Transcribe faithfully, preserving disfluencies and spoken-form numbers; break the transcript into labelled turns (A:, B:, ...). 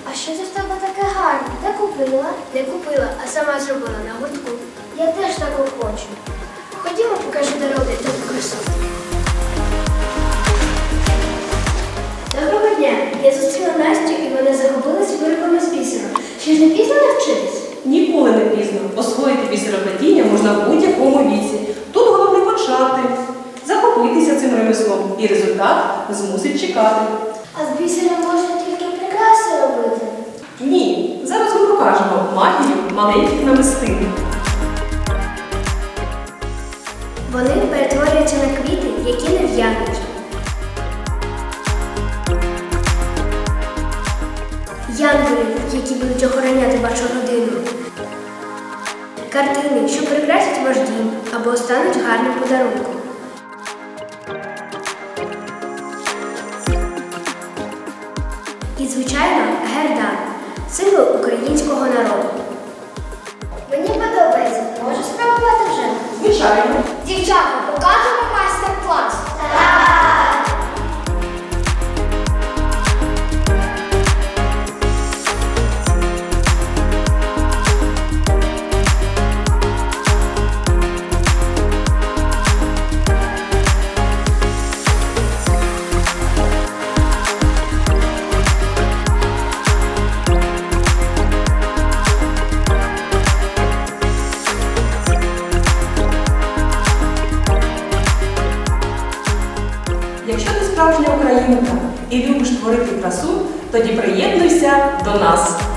A: А що це в тебе таке гарне? Де купила?
B: Не купила, а сама зробила на гуртку.
A: Я теж такого хочу.
B: Ходімо, покажу дороги та красу. Доброго дня! Я зустріла Настю і вона захопилась виробами з бісером. Ще ж не пізно навчитись?
C: Ніколи не пізно. Освоїти бісероплетіння можна в будь-якому віці. Тут головне почати, захопитися цим ремеслом, і результат змусить чекати.
A: А з бісером можна тільки прикраси робити.
C: Ні, зараз ми покажемо магію маленьких намистин.
B: Вони перетворюються на квіти, які не в'януть. Янголи, які будуть охороняти вашу родину. Картини, що прикрасять ваш дім або стануть гарним подарунком. І, звичайно, гердан – символ українського народу.
A: Мені подобається. Можу спробувати вже?
C: Звичайно.
A: Дівчата, покажемо майстер-клас.
C: Якщо ти справжня українка і любиш творити красу, тоді приєднуйся до нас.